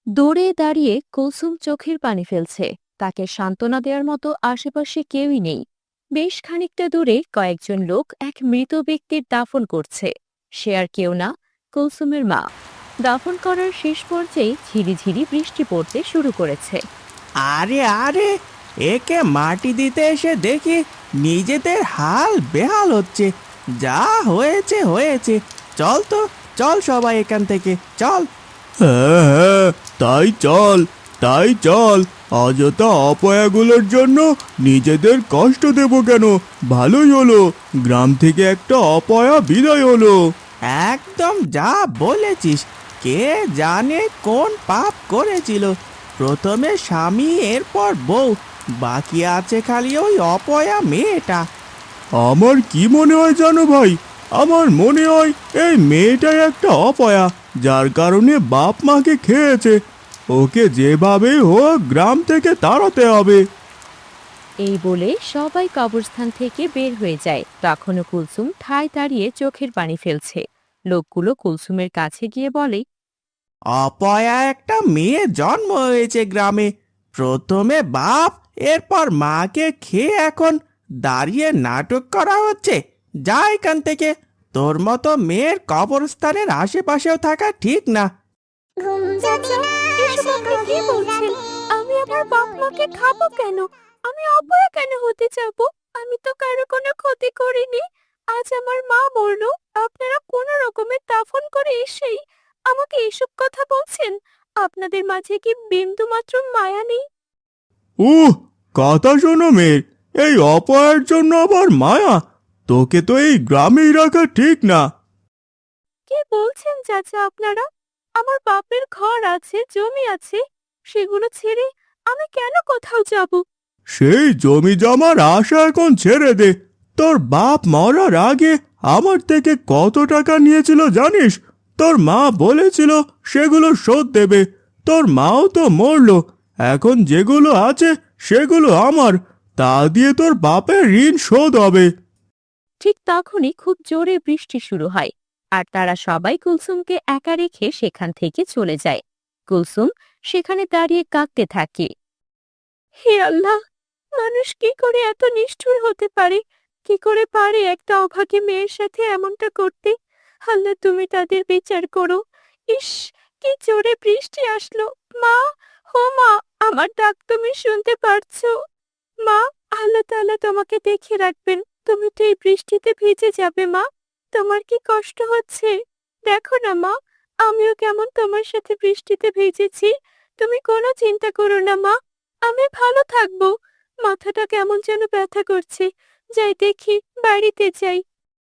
দৌড়ে দাঁড়িয়ে কুলসুম চোখের পানি ফেলছে। তাকে সান্ত্বনা দেওয়ার মতো আশেপাশে কেউই নেই। বেশ খানিকটা দূরে কয়েকজন লোক এক মৃত ব্যক্তির দাফন করছে। সে আর কেউ না, কুলসুমের মা। দাফন করার শেষ পর্যায়ে ঝিরিঝিরি বৃষ্টি পড়তে শুরু করেছে। আরে আরে, একে মাটি দিতে এসে দেখি নিজেদের হাল বেহাল হচ্ছে। যা হয়েছে হয়েছে, চল তো, চল সবাই এখান থেকে চল। হ্যাঁ হ্যাঁ, তাই চল, তাই চল। অযথা অপয়াগুলোর জন্য নিজেদের কষ্ট দেব কেন? ভালোই হলো, গ্রাম থেকে একটা অপয়া বিদায় হলো। একদম যা বলেছিস। কে জানে কোন পাপ করেছিল। প্রথমে স্বামী, এরপর বউ, বাকি আছে খালি ওই অপয়া মেয়েটা। আমার কি মনে হয় জানো ভাই, আমার মনে হয় এই মেয়েটাই একটা অপয়া, যার কারণে বাপ মাকে খেয়েছে। ওকে যেভাবেই হোক গ্রাম থেকে তাড়াতে হবে। এই বলে সবাই কবরস্থান থেকে বের হয়ে যায়। তখনও কুলসুম ঠায় দাঁড়িয়ে চোখের পানি ফেলছে। লোকগুলো কুলসুমের কাছে গিয়ে বলে, অপয়া একটা মেয়ে জন্ম হয়েছে গ্রামে। প্রথমে বাপ, এরপর মাকে খেয়ে এখন দাঁড়িয়ে নাটক করা হচ্ছে। যা এখান থেকে, তোর মতো মেয়ের কবরস্থানের আশেপাশেও থাকা ঠিক না। চাচা, এসব আপনি কি বলছেন? আমি আমার বাপ মাকে খাবো কেন? আমি অপয়া কেন হতে যাব? আমি তো কারো কোনো ক্ষতি করিনি। আজ আমার মা মরলো, আপনারা কোনো রকমের দাফন করে এসেই আমাকে এসব কথা বলছেন? আপনাদের মাঝে কি বিন্দু মাত্র মায়া নেই? উহ, কথা শোনো মেয়ের, এই অপয়ার জন্য আবার মায়া? তোকে তো এই গ্রামেই রাখা ঠিক না। কি বলছেন চাচা আপনারা? আমার বাপের ঘর আছে, জমি আছে, সেগুলো ছেড়ে আমি কেন কোথাও যাব? সেই জমি জমার আশা এখন ছেড়ে দে। তোর বাপ মরার আগে আমার থেকে কত টাকা নিয়েছিল জানিস? তোর মা বলেছিল সেগুলো শোধ দেবে। তোর মাও তো মরলো, এখন যেগুলো আছে সেগুলো আমার। তা দিয়ে তোর বাপের ঋণ শোধ হবে। ঠিক তখনই খুব জোরে বৃষ্টি শুরু হয়, আর তারা সবাই কুলসুমকে একা রেখে সেখান থেকে চলে যায়। কুলসুম সেখানে দাঁড়িয়ে কাঁদতে থাকে। হে আল্লাহ, মানুষ কি করে এত নিষ্ঠুর হতে পারে? কি করে পারে একটা অভাগী মেয়ের সাথে এমনটা করতে? আল্লাহ, তুমি তাদের বিচার করো। ইস, কি জোরে বৃষ্টি আসলো! মা, হো মা, আমার ডাক তুমি শুনতে পারছো? মা, আল্লাহ তাআলা তোমাকে দেখে রাখবেন। তুমি তো এই বৃষ্টিতে ভিজে যাবে মা। তোমার কি কষ্ট হচ্ছে? দেখো না মা, আমিও কেমন তোমার সাথে বৃষ্টিতে ভিজেছি। তুমি কোনো চিন্তা করো না মা, আমি ভালো থাকবো। মাথাটা কেমন যেন ব্যথা করছে। যাই দেখি, বাড়িতে যাই।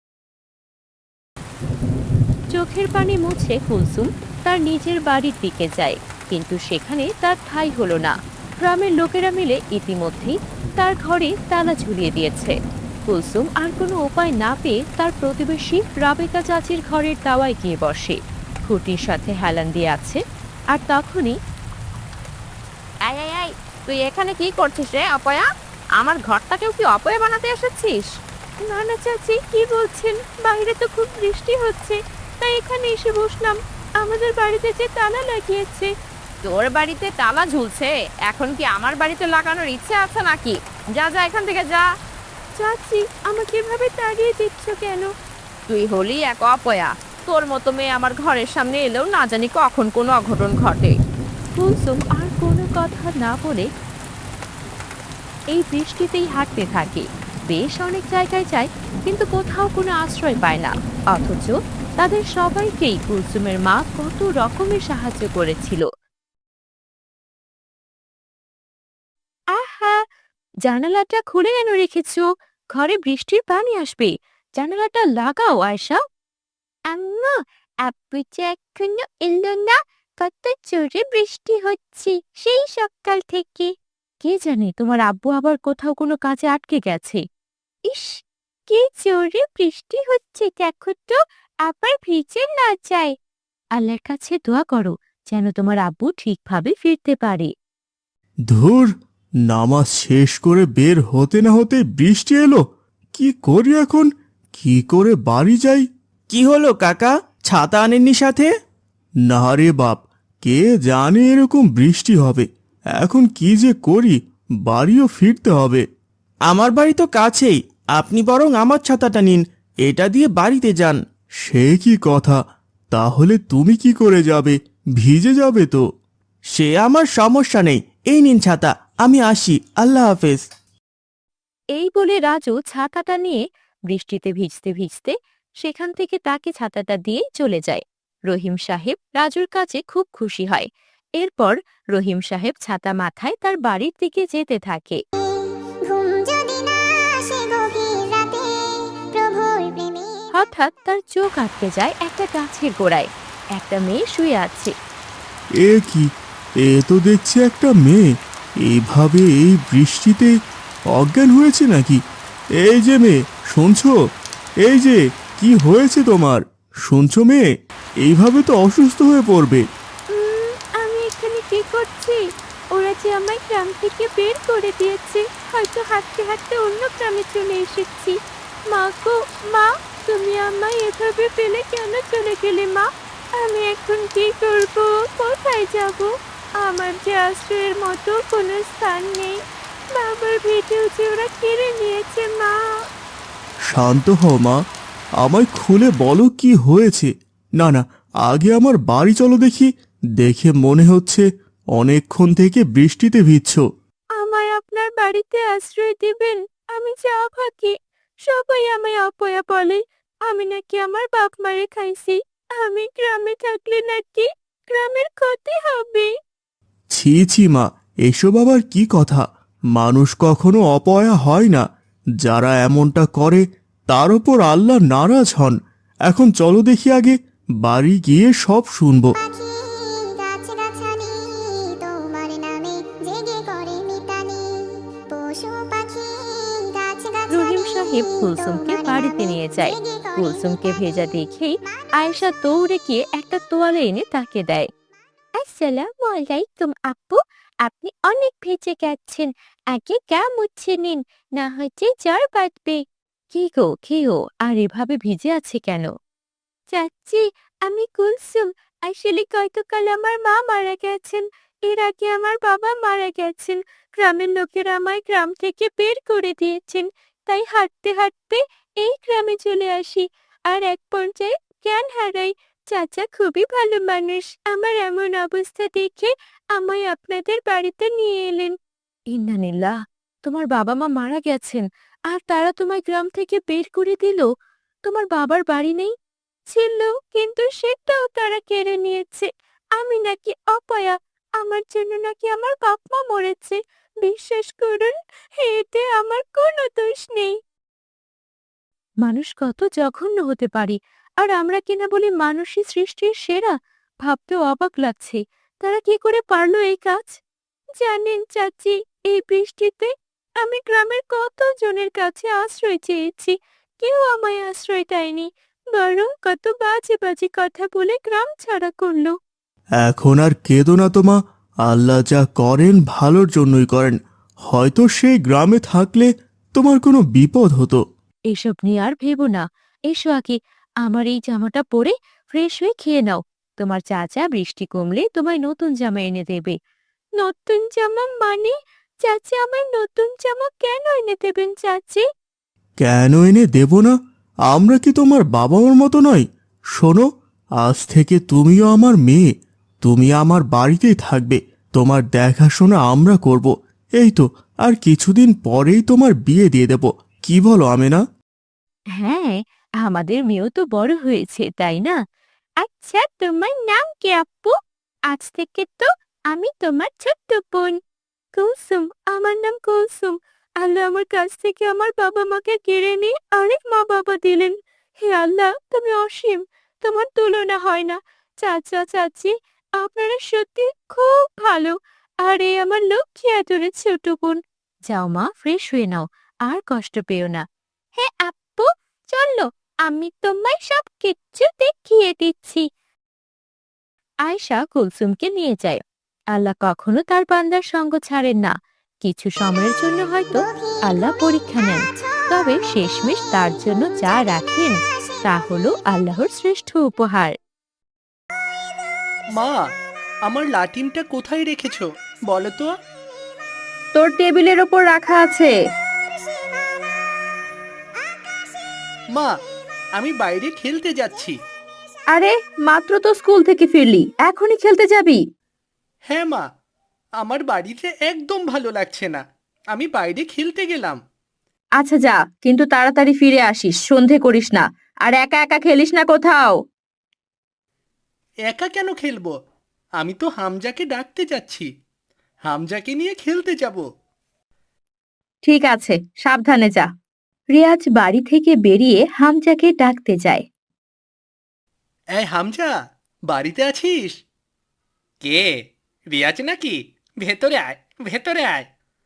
চোখের পানি মুছে কুলসুম তার নিজের বাড়ির দিকে যায়, কিন্তু সেখানে তার ঠাঁই হলো না। গ্রামের লোকেরা মিলে ইতিমধ্যেই তার ঘরে তালা ঝুলিয়ে দিয়েছে। কুলসুম আর কোনো উপায় না পেয়ে তার প্রতিবেশী রাবেকা চাচির ঘরের দাওয়ায় গিয়ে বসে। খুঁটির সাথে হেলান দিয়ে আছে। আর তখনই, এই এই এই, তুই এখানে কি করছিস রে অপয়া? আমার ঘরটাকেও কি অপয়া বানাতে এসেছিস? না না চাচি, কি বলছেন? বাইরে তো খুব বৃষ্টি হচ্ছে, তাই এখানে এসে বসলাম। আমাদের বাড়িতে যে তালা লাগিয়েছে। তোর বাড়িতে তালা ঝুলছে, এখন কি আমার বাড়িতে লাগানোর ইচ্ছে আছে নাকি? যা যা এখান থেকে যা। চাচি, আমাকে এভাবে তাড়িয়ে দিচ্ছ কেন? তুই হলি এক অপয়া। তোর মতো মেয়ে আমার ঘরের সামনে এলেও না জানি কখন কোনো অঘটন ঘটে। কুলসুম আর কোনো কথা না বলে এই বৃষ্টিতেই হাঁটতে থাকে। বেশ অনেক জায়গায় যায়, কিন্তু কোথাও কোনো আশ্রয় পায় না। অথচ তাদের সবাইকেই কুলসুমের মা কত রকমের সাহায্য করেছিল। আহা, জানালাটা খুলে কেন রেখেছো? ঘরে বৃষ্টির পানি আসবে। জানালাটা লাগাও আয়শা। আম্মু, আব্বু যে এখনো এলো না। কত জোরে বৃষ্টি হচ্ছে সেই সকাল থেকে। কে জানে তোমার আব্বু আবার কোথাও কোনো কাজে আটকে গেছে। ইস, কি জোরে বৃষ্টি হচ্ছে দেখো তো, আবার ভিজে না যায়। আল্লাহর কাছে দোয়া করো যেন তোমার আব্বু ঠিকভাবে ফিরতে পারে। ধুর, নামাজ শেষ করে বের হতে না হতে বৃষ্টি এলো। কি করি এখন? কি করে বাড়ি যাই? কি হলো কাকা, ছাতা আনেননি সাথে? না রে বাপ, কে জানে এরকম বৃষ্টি হবে। এখন কি যে করি, বাড়িও ফিরতে হবে। আমার বাড়ি তো কাছেই, আপনি বরং আমার ছাতাটা নিন, এটা দিয়ে বাড়িতে যান। সে কি কথা, তাহলে তুমি কি করে যাবে? ভিজে যাবে তো। সে আমার সমস্যা নেই, এই নিন ছাতা, আমি আসি, আল্লাহ হাফেজ। এই বলে রাজু ছাতাটা নিয়ে বৃষ্টিতে ভিজতে ভিজতে সেখান থেকে তাকে ছাতাটা দিয়ে চলে যায়। রহিম সাহেব রাজুর কাছে খুব খুশি হয়। এরপর রহিম সাহেব ছাতা মাথায় তার বাড়ির দিকে যেতে থাকে। হঠাৎ তার চোখ আটকে যায় একটা গাছের গোড়ায়। একটা মেয়ে শুয়ে আছে। এ কি, এ তো দেখছি একটা মেয়ে, এইভাবে এই বৃষ্টিতে অজ্ঞান হয়েছে নাকি? এই যে মেয়ে, শুনছো? এই যে, কি হয়েছে তোমার? শুনছো মেয়ে? এইভাবে তো অসুস্থ হয়ে পড়বে। আমি এখানে কি করছি? ওরা যে আমায় গ্রাম থেকে বের করে দিয়েছে, হয়তো হাঁটতে হাঁটতে অন্য গ্রামে চলে এসেছি। মা গো মা, তুমি আমায় এভাবে ফেলে কেন চলে গেলে মা? আমি এখন কি করব? কোথায় যাব? আমার যে আশ্রয়ের মতো কোনো স্থান নেই। বাবার ভিটেও যে ওরা কেড়ে নিয়েছে মা। শান্ত হও মা, আমায় খুলে বলো কি হয়েছে। না না, আগে আমার বাড়ি চলো দেখি। দেখে মনে হচ্ছে অনেকক্ষণ থেকে বৃষ্টিতে ভিজছো। আমায় আপনার বাড়িতে আশ্রয় দিবেন? আমি যা ভাকি, সবাই আমায় অপয়া বলে। আমি নাকি আমার বাপ মারে খাইছি। আমি গ্রামে থাকলে নাকি গ্রামের ক্ষতি হবে। ছি ছি মা, এসব আবার কি কথা? মানুষ কখনো অপয়া হয় না। যারা এমনটা করে তার ওপর আল্লাহ নারাজ হন। এখন চলো দেখি আগে, বাড়ি গিয়ে সব শুনবো। রহিম সাহেব কুলসুমকে বাড়িতে নিয়ে যায়। কুলসুমকে ভেজা দেখেই আয়েশা দৌড়ে গিয়ে একটা তোয়ালে এনে তাকে দেয়। আসসালামু আলাইকুম আপু, আপনি অনেক ভেজে গেছেন। আগে গা মুছে নিন, না হচ্ছে জ্বর বাঁধবে। কি গো, আর এভাবে ভিজে আছে কেন? চাচ্ছি, আমি কুলসুম। আসলে গতকাল আমার মা মারা গেছেন। এর আগে আমার বাবা মারা গেছেন। গ্রামের লোকেরা আমায় গ্রাম থেকে বের করে দিয়েছেন। তাই হাঁটতে হাঁটতে এই গ্রামে চলে আসি। আর এক পর্যায়ে জ্ঞান হারাই। চাচা খুবই ভালো মানুষ, আমার এমন অবস্থা দেখে আমায় আপনাদের বাড়িতে নিয়ে এলেন। ইন্নানিল্লাহ, তোমার বাবা মা মারা গেছেন আর তারা তোমায় গ্রাম থেকে বের করে দিল? তোমার বাবার বাড়ি নেই? ছিল, কিন্তু সেটাও তারা কেড়ে নিয়েছে। আমি নাকি অপয়া, আমার জন্য নাকি আমার বাপ মা মরেছে। বিশ্বাস করুন, এতে আমার কোনো দোষ নেই। মানুষ কত জঘন্য হতে পারে, আর আমরা কিনা বলি মানুষই সৃষ্টির সেরা। ভাবতেও অবাক লাগছে, তারা কি করে পারলো এই কাজ। জানেন চাচি, এই বৃষ্টিতে আমি গ্রামের কত জনের কাছে আশ্রয় চেয়েছি, কেউ আমায় আশ্রয় দেয়নি, বরং কত বাজে বাজে কথা বলে গ্রাম ছাড়া করলো। এখন আর কেঁদো না তোমা, আল্লাহ যা করেন ভালোর জন্যই করেন। হয়তো সেই গ্রামে থাকলে তোমার কোনো বিপদ হতো। এসব নিয়ে আর ভেবো না। এসো আগে আমার এই জামাটা পরে ফ্রেশ হয়ে খেয়ে নাও। তোমার চাচা বৃষ্টি কমলে তোমায় নতুন জামা এনে দেবে। নতুন জামা মানে? চাচি আমায় নতুন জামা কেন এনে দেবেন চাচি? কেন এনে দেব না? আমরা কি তোমার বাবা মার মতো নয়? শোনো, আজ থেকে তুমিও আমার মেয়ে। তুমি আমার বাড়িতেই থাকবে, তোমার দেখাশোনা আমরা করব। এই তো, আর কিছুদিন পরেই তোমার বিয়ে দিয়ে দেব। কি বলো আমেনা? হ্যাঁ, আমাদের মেয়েও তো বড় হয়েছে, তাই না? আচ্ছা, তোমার নাম কি আপু? আজ থেকে তো আমি তোমার ছোট্ট বোন। কুলসুম, আমার নাম কুলসুম। আল্লাহ আমার কাছ থেকে আমার বাবা মাকে কেড়ে নিয়ে আরেক মা বাবা দিলেন। হে আল্লাহ, তুমি অসীম, তোমার তুলনা হয় না। চাচা চাচি, আপনারা সত্যি খুব ভালো। আর এই আমার লক্ষ্মী আদরের ছোট বোন। যাও মা, ফ্রেশ হয়ে নাও, আর কষ্ট পেও না। হ্যাঁ আপু, চলো, আমি তোমায় সব কিচ্ছু দেখিয়ে দিচ্ছি। আয়েশা কুলসুমকে নিয়ে যায়। আল্লাহ কখনো তার বান্দার সঙ্গ ছাড়েন না। কিছু সময়ের জন্য হয়তো আল্লাহ পরীক্ষা নেন, তবে শেষমেশ তার জন্য যা রাখেন তা হলো আল্লাহর শ্রেষ্ঠ উপহার। মা, আমার লাটিমটা কোথায় রেখেছো বলো তো? তোর টেবিলের ওপর রাখা আছে। মা, আমি বাইরে খেলতে যাচ্ছি। আরে, মাত্র তো স্কুল থেকে ফিরলি, এখনই খেলতে যাবি? হ্যাঁ মা, আমার বাড়িতে একদম ভালো লাগছে না, আমি বাইরে খেলতে গেলাম। আচ্ছা যা, কিন্তু তাড়াতাড়ি ফিরে আসিস, সন্ধে করিস না। আর একা একা খেলিস না কোথাও। একা কেন খেলবো? আমি তো হামজাকে ডাকতে যাচ্ছি, হামজাকে নিয়ে খেলতে যাব। ঠিক আছে, সাবধানে যা। রিয়াজ বাড়ি থেকে বেরিয়ে হামজাকে ডাকতে যায়। এই হামজা, বাড়িতে আছিস? কে, রিয়াজ নাকি? ভেতরে আয়, ভেতরে আয়।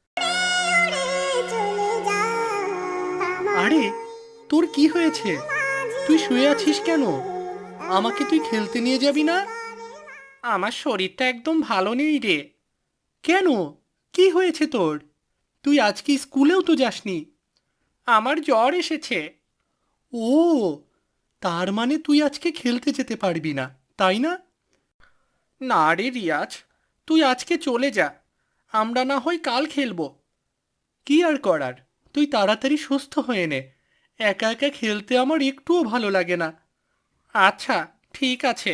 আরে, তোর কি হয়েছে? তুই শুয়ে আছিস কেন? আমাকে তুই খেলতে নিয়ে যাবি না? আমার শরীরটা একদম ভালো নেই রে। কেন, কি হয়েছে তোর? তুই আজকে স্কুলেও তো যাসনি। আমার জ্বর এসেছে। ও, তার মানে তুই আজকে খেলতে যেতে পারবি না, তাই না? না রে রিয়াজ, তুই আজকে চলে যা, আমরা না হয় কাল খেলবো। কি আর করার, তুই তাড়াতাড়ি সুস্থ হয়ে নে। একা একা খেলতে আমার একটুও ভালো লাগে না। আচ্ছা, ঠিক আছে।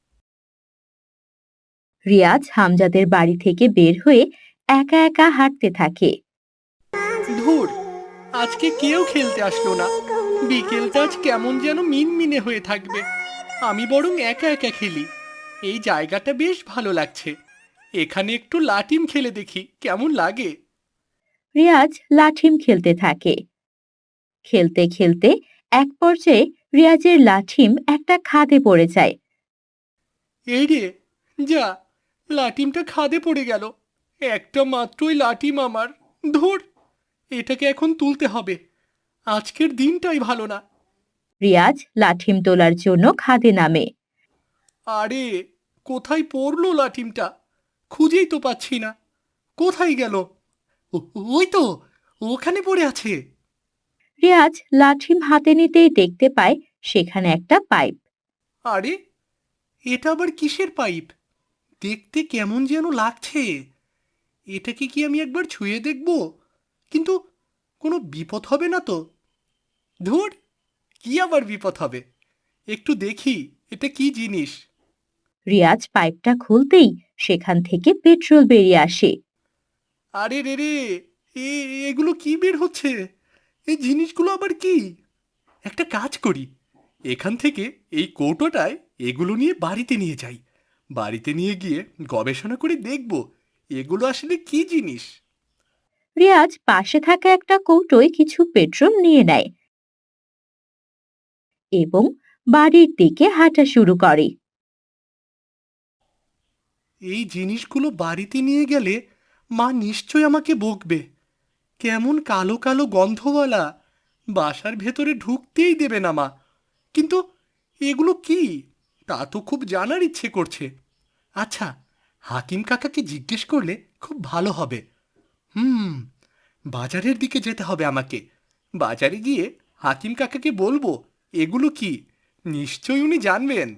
রিয়াজ হামজাদের বাড়ি থেকে বের হয়ে একা একা হাঁটতে থাকে। ধুর, আজকে কেউ খেলতে আসলো না। বিকেলটা আজ কেমন যেন মিনমিনে হয়ে থাকবে। আমি বরং একা একা খেলি। এই জায়গাটা বেশ ভালো লাগছে। এখানে একটু লাটিম খেলে দেখি কেমন লাগে। রিয়াজ লাঠিম খেলতে থাকে। খেলতে খেলতে এক পর্যায়ে রিয়াজের লাঠিম একটা খাদে পড়ে যায়। এই রে, যা, লাটিমটা খাদে পড়ে গেল। একটা মাত্রই লাটিম আমার। ধুর, এটাকে এখন তুলতে হবে। আজকের দিনটাই ভালো না। রিয়াজ লাঠিম তোলার জন্য খাদে নামে। আরে, কোথায় পড়লো লাঠিমটা? খুঁজেই তো পাচ্ছি না। কোথায় গেল? ওই তো, ওখানে পড়ে আছে। রিয়াজ লাঠিম হাতে নিতেই দেখতে পায় সেখানে একটা পাইপ। আরে, এটা আবার কিসের পাইপ? দেখতে কেমন যেন লাগছে। এটাকে কি আমি একবার ছুঁয়ে দেখব? কিন্তু কোনো বিপদ হবে না তো? ধুর, কি আবার বিপদ হবে? একটু দেখি এটা কি জিনিস। রিয়াজ পাইপটা খুলতেই সেখান থেকে পেট্রোল বেরিয়ে আসে। আরে রে রে, এগুলো কি বের হচ্ছে? এই জিনিসগুলো আবার কি? একটা কাজ করি, এখান থেকে এই কৌটোটায় এগুলো নিয়ে বাড়িতে নিয়ে যাই। বাড়িতে নিয়ে গিয়ে গবেষণা করে দেখব এগুলো আসলে কি জিনিস। রিয়াজ পাশে থাকা একটা কৌটোয় কিছু পেট্রোল নিয়ে নেয় এবং বাড়ির দিকে হাঁটা শুরু করে। এই জিনিসগুলো বাড়িতে নিয়ে গেলে মা নিশ্চয় আমাকে বকবে। কেমন কালো কালো গন্ধওয়ালা, বাসার ভেতরে ঢুকতেই দেবে না মা। কিন্তু এগুলো কি, তা তো খুব জানার ইচ্ছে করছে। আচ্ছা, হাকিম কাকাকে জিজ্ঞেস করলে খুব ভালো হবে। হুম, বাজারের দিকে যেতে হবে আমাকে। বাজারে গিয়ে হাকিম কাকাকে বলবো এগুলো কি, নিশ্চয়ই উনি জানবেন।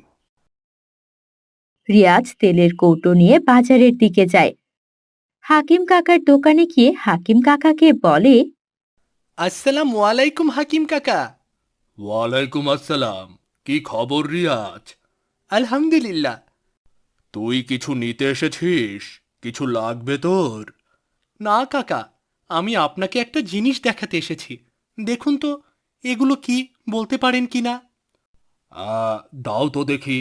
রিয়াজ তেলের কৌটো নিয়ে বাজারের দিকে যায়। হাকিম কাকার দোকানে গিয়ে হাকিম কাকাকে বলে, আসসালামু আলাইকুম হাকিম কাকা। ওয়ালাইকুম আসসালাম। কি খবর রিয়াজ? আলহামদুলিল্লাহ। তুই কিছু নিতে এসেছিস? কিছু লাগবে তোর? না কাকা, আমি আপনাকে একটা জিনিস দেখাতে এসেছি। দেখুন তো, এগুলো কি, বলতে পারেন কি না? দাও তো দেখি।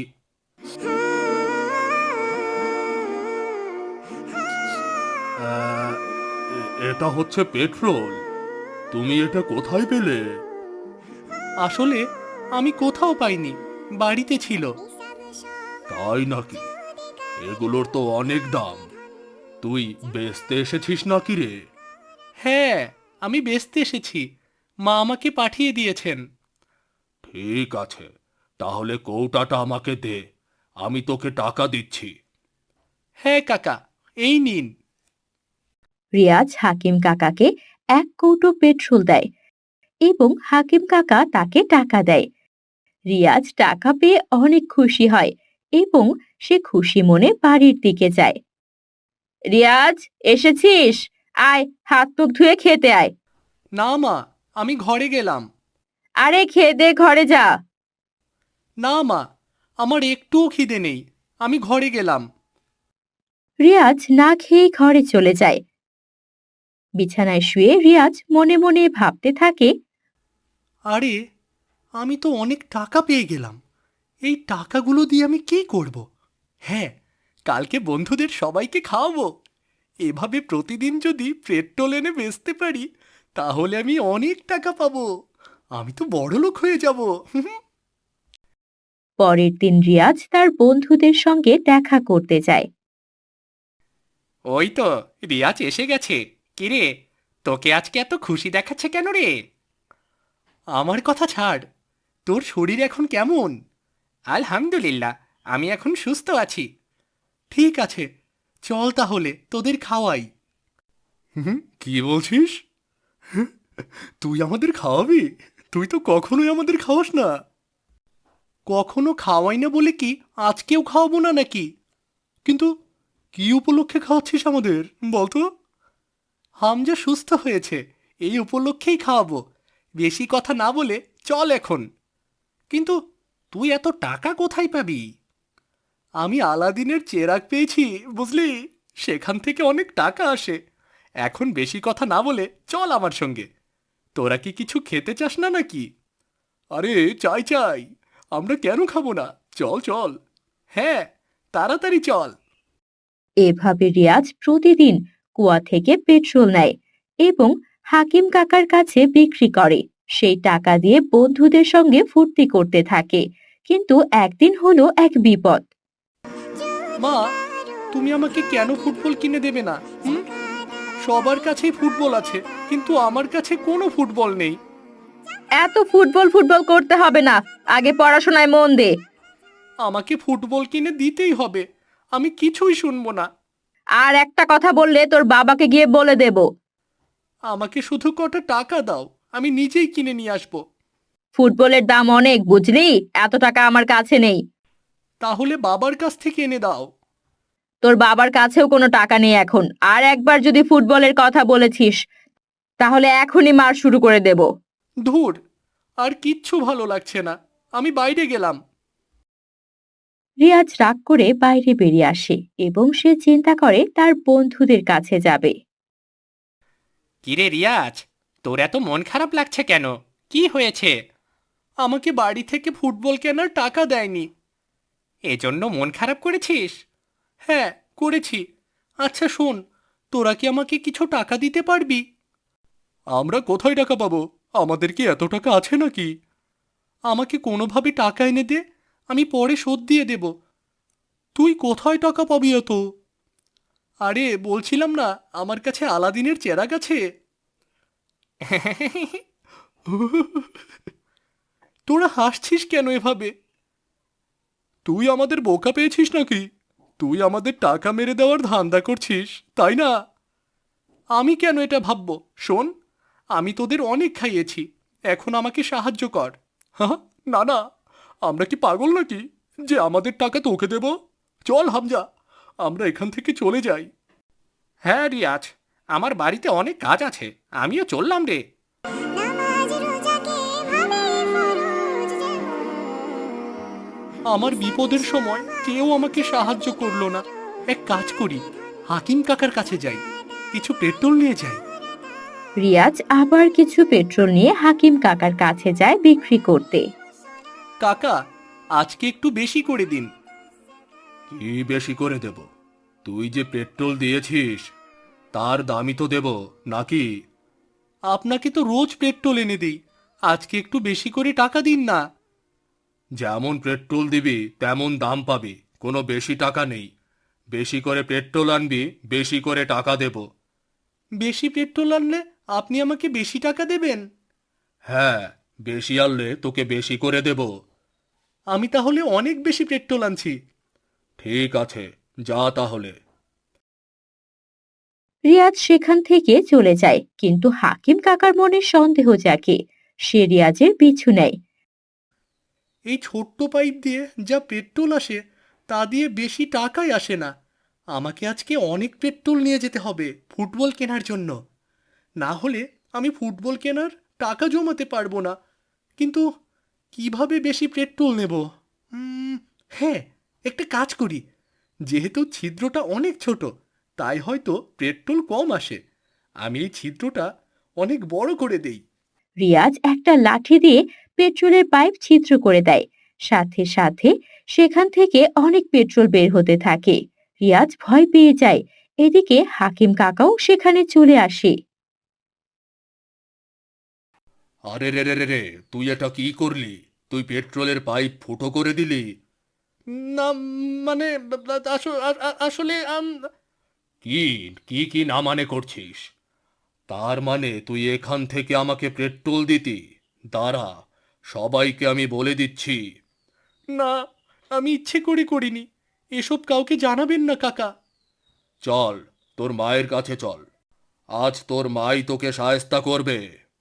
এটা হচ্ছে পেট্রোল। তুমি এটা কোথায় পেলে? আসলে আমি কোথাও পাইনি, বাড়িতে ছিল। তাই নাকি? এগুলোর তো অনেক দাম। তুই বেচতে এসেছিস নাকি রে? হ্যাঁ, আমি বেচতে এসেছি। মা আমাকে পাঠিয়ে দিয়েছেন। ঠিক আছে, তাহলে কৌটাটা আমাকে দে, আমি তোকে টাকা দিচ্ছি। হ্যাঁ কাকা, এই নিন। রিয়াজ হাকিম কাকাকে এক কৌটো পেট্রোল দেয় এবং হাকিম কাকা তাকে টাকা দেয়। রিয়াজ টাকা পেয়ে অনেক খুশি হয় এবং সে খুশি মনে বাড়ির দিকে যায়। রিয়াজ, এসেছিস? আয়, হাত মুখ ধুয়ে খেতে আয়। না মা, আমি ঘরে গেলাম। আরে খেয়ে দে, ঘরে যা। না মা, আমার একটুও খিদে নেই, আমি ঘরে গেলাম। রিয়াজ না খেয়ে ঘরে চলে যায়। বিছানায় শুয়ে রিয়াজ মনে মনে ভাবতে থাকে, আরে, আমি তো অনেক টাকা পেয়ে গেলাম। এই টাকাগুলো দিয়ে আমি কি করব? হ্যাঁ, কালকে বন্ধুদের সবাইকে খাওয়াবো। এভাবে প্রতিদিন যদি পেট্রোল এনে বেচতে পারি, তাহলে আমি অনেক টাকা পাবো। আমি তো বড়লোক হয়ে যাব। পরের দিন রিয়াজ তার বন্ধুদের সঙ্গে দেখা করতে যায়। ওই তো রিয়াজ এসে গেছে। কিরে, তোকে আজকে এত খুশি দেখাচ্ছে কেন রে? আমার কথা ছাড়, তোর শরীর এখন কেমন? আলহামদুলিল্লাহ, আমি এখন সুস্থ আছি। ঠিক আছে, চল তাহলে তোদের খাওয়াই। হুম, কি বলছিস? তুই আমাদের খাওয়াবি? তুই তো কখনোই আমাদের খাওয়াস না। কখনো খাওয়াই না বলে কি আজকেও খাওয়াবো না নাকি? কিন্তু কি উপলক্ষে খাওয়াচ্ছিস আমাদের বলতো? হামজা সুস্থ হয়েছে, এই উপলক্ষেই খাওয়াবো। বেশি কথা না বলে চল এখন। কিন্তু তুই এত টাকা কোথায় পাবি? আমি আলাদিনের চেরাগ পেয়েছি, বুঝলি? সেখান থেকে অনেক টাকা আসে। এখন বেশি কথা না বলে চল আমার সঙ্গে। তোরা কি কিছু খেতে চাস না নাকি? আরে চাই চাই, আমরা কেন খাবো না? চল চল, হ্যাঁ, তাড়াতাড়ি চল। এভাবে রিয়াজ প্রতিদিন কুয়া থেকে পেট্রোল নেয় এবং হাকিম কাকার কাছে বিক্রি করে। সেই টাকা দিয়ে বন্ধুদের সঙ্গে ফুর্তি করতে থাকে। কিন্তু একদিন হলো এক বিপদ। মা, তুমি আমাকে কেন ফুটবল কিনে দেবে না? হুম, সবার কাছেই ফুটবল আছে, কিন্তু আমার কাছে কোনো ফুটবল নেই। এত ফুটবল ফুটবল করতে হবে না, আগে পড়াশোনায় মন দে। আমাকে ফুটবল কিনে দিতেই হবে, আমি কিছুই শুনবো না। আর একটা কথা বললে তোর বাবাকে গিয়ে বলে দেব। আমাকে শুধু কটা টাকা দাও, আমি নিজেই কিনে নিয়ে আসবো। ফুটবলের দাম অনেক, বুঝলি? এত টাকা আমার কাছে নেই। তাহলে বাবার কাছ থেকে এনে দাও। তোর বাবার কাছেও কোনো টাকা নেই এখন। আর একবার যদি ফুটবলের কথা বলেছিস, তাহলে এখনই মার শুরু করে দেব। ধুর, আর কিচ্ছু ভালো লাগছে না, আমি বাইরে গেলাম। রিয়াজ রাগ করে বাইরে বেরিয়ে আসে এবং সে চিন্তা করে তার বন্ধুদের কাছে যাবে। কিরে রিয়াজ, তোর এত মন খারাপ লাগছে কেন? কি হয়েছে? আমাকে বাড়ি থেকে ফুটবল কেনার টাকা দেয়নি, এজন্য মন খারাপ করেছিস? হ্যাঁ, করেছি। আচ্ছা শোন, তোরা কি আমাকে কিছু টাকা দিতে পারবি? আমরা কোথায় টাকা পাবো? আমাদের কি এত টাকা আছে নাকি? আমাকে কোনোভাবে টাকা এনে দে, আমি পরে শোধ দিয়ে দেব। তুই কোথায় টাকা পাবি এত? আরে বলছিলাম না, আমার কাছে আলাদিনের চেরাগ আছে। তোরা হাসছিস কেন এভাবে? তুই আমাদের বোকা পেয়েছিস নাকি? তুই আমাদের টাকা মেরে দেওয়ার ধান্দা করছিস, তাই না? আমি কেন এটা ভাববো? শোন, আমি তোদের অনেক খাইয়েছি, এখন আমাকে সাহায্য কর। হ্যাঁ, না না, আমরা কি পাগল নাকি যে আমাদের টাকা তোকে দেব? চল হামজা, আমরা এখান থেকে চলে যাই। হ্যাঁ রিয়াজ, আমার বাড়িতে অনেক কাজ আছে, আমিও চললাম রে। আমার বিপদের সময় কেউ আমাকে সাহায্য করলো না। এক কাজ করি, হাকিম কাকার কাছে যাই, কিছু পেট্রোল নিয়ে যাই। রিয়াজ আবার কিছু পেট্রোল নিয়ে হাকিম কাকার কাছে যায় বিক্রি করতে। কাকা, আজকে একটু বেশি করে দিন। কি বেশি করে দেব? তুই যে পেট্রোল দিয়েছিস তার দামই তো দেব নাকি? আপনাকে তো রোজ পেট্রোল এনে দিই, আজকে একটু বেশি করে টাকা দিন না। যেমন পেট্রোল দিবি তেমন দাম পাবি, কোনো বেশি টাকা নেই। বেশি করে পেট্রোল আনবি, বেশি করে টাকা দেব। বেশি পেট্রোল আনলে আপনি আমাকে বেশি টাকা দেবেন? হ্যাঁ, বেশি আনলে তোকে বেশি করে দেব। আমি তাহলে অনেক বেশি পেট্রোল আনছি। ঠিক আছে, যা তাহলে। রিয়াজ সেখান থেকে চলে যায়, কিন্তু হাকিম কাকার মনে সন্দেহ জাগে। সে রিয়াজের পিছু নেয়। এই ছোট্ট পাইপ দিয়ে যা পেট্রোল আসে তা দিয়ে বেশি টাকাই আসে না। আমাকে আজকে অনেক পেট্রোল নিয়ে যেতে হবে ফুটবল কেনার জন্য। না হলে আমি ফুটবল কেনার টাকা জমাতে পারবো না। কিন্তু কিভাবে বেশি পেট্রোল নেব? হ্যাঁ, একটা কাজ করি। যেহেতু ছিদ্রটা অনেক ছোট, তাই হয়তো পেট্রোল কম আসে। আমি এই ছিদ্রটা অনেক বড় করে দেই। রিয়াজ একটা লাঠি দিয়ে পেট্রোলের পাইপ ছিদ্র করে দেয়। সাথে সাথে সেখান থেকে অনেক পেট্রোল বের হতে থাকে। রিয়াজ ভয় পেয়ে যায়। এদিকে হাকিম কাকাও সেখানে চলে আসে। আরে রে রে রে রে, তুই এটা কি করলি? তুই পেট্রোলের পাইপ ফুটো করে দিলি? না, মানে আসলে কি কি কি না মানে করছিস? তার মানে তুই এখান থেকে আমাকে পেট্রোল দিতি? দাঁড়া, সবাইকে আমি বলে দিচ্ছি। না, আমি ইচ্ছে করে করিনি। এসব কাউকে জানাবেন না কাকা। চল, তোর মায়ের কাছে চল। আজ তোর মাই তোকে শায়েস্তা করবে।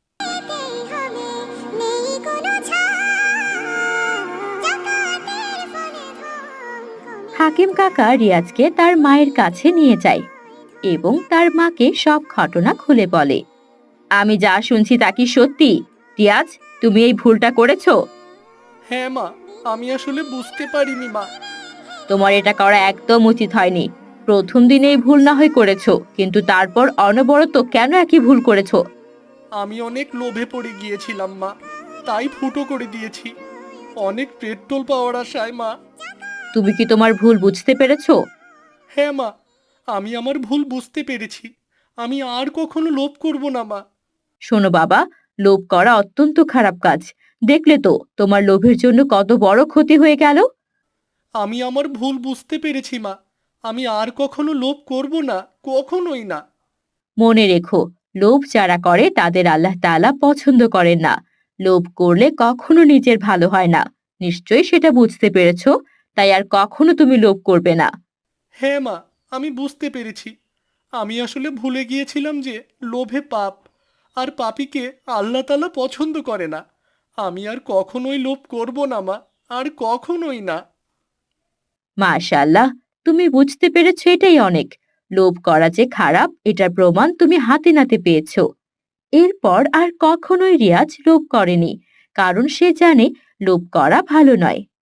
হাকিম কাকা রিয়াজকে তার মায়ের কাছে নিয়ে যায় এবং তার মাকে সব ঘটনা খুলে বলে। আমি যা শুনছি তা কি সত্যি? রিয়াজ, তুমি এই ভুলটা করেছো? হ্যাঁ মা, আমি আসলে বুঝতে পারিনি মা। তোমার এটা করা একদম উচিত হয়নি। প্রথম দিনেই ভুল না হয় করেছো, কিন্তু তারপর অনবরত কেন একই ভুল করেছো? আমি অনেক লোভে পড়ে গিয়েছিলাম মা, তাই ফুটো করে দিয়েছি। অনেক পেট্রোল পাওয়ার আশায় মা। তুমি কি তোমার ভুল বুঝতে পেরেছো? হ্যাঁ মা, আমি আমার ভুল বুঝতে পেরেছি। আমি আর কখনো লোভ করব না মা। শোনো বাবা, লোভ করা অত্যন্ত খারাপ কাজ। দেখলে তো তোমার লোভের জন্য কত বড় ক্ষতি হয়ে গেল। আমি আমার ভুল বুঝতে পেরেছি মা। আমি আর কখনো লোভ করব না, কখনোই না। মনে রেখো, লোভ যারা করে তাদের আল্লাহ তাআলা পছন্দ করেন না। লোভ করলে কখনো নিজের ভালো হয় না। নিশ্চয়ই সেটা বুঝতে পেরেছো। তাই আর কখনো তুমি লোভ করবে না। হ্যাঁ মা, আমি বুঝতে পেরেছি। আমি আসলে ভুলে গিয়েছিলাম যে লোভে পাপ, আর পাপীকে আল্লাহ তাআলা পছন্দ করে না। আমি আর কখনোই লোভ করব না মা, আর কখনোই না। মাশাআল্লাহ, তুমি বুঝতে পেরেছো, এটাই অনেক। লোভ করা যে খারাপ এটার প্রমাণ তুমি হাতে নাতে পেয়েছো। এরপর আর কখনোই রিয়াজ লোভ করেনি, কারণ সে জানে লোভ করা ভালো নয়।